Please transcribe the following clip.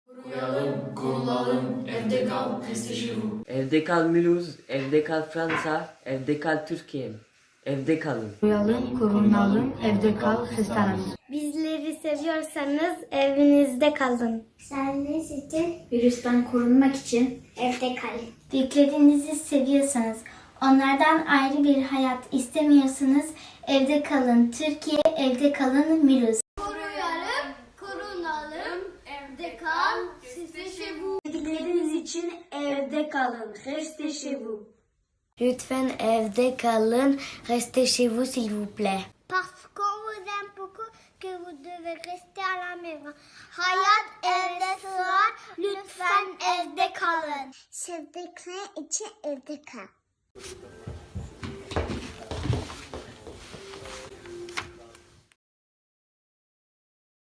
Koruyalım, korulalım, evde kal, restez-vous. Evde kal Mulhouse, evde kal Fransa, evde kal Türkiye. Evde kalın. Koruyalım, korunalım, evde kal, restoran. Bizleri seviyorsanız evinizde kalın. Sağlığınız için Virüsten korunmak için evde kalın. büyüklerinizi seviyorsanız, onlardan ayrı bir hayat istemiyorsanız evde kalın. Türkiye, evde kalın. Mulhouse. Koruyalım, korunalım, evde kal, restez-vous. Sevdikleriniz için evde kalın. Restez chez vous. Lütfen evde kalın. Restez chez vous s'il vous plaît. Parce qu'on vous aime beaucoup que vous devez rester à la maison. Hayat evde sığar, lütfen evde kalın. Sevdikler için evde kal.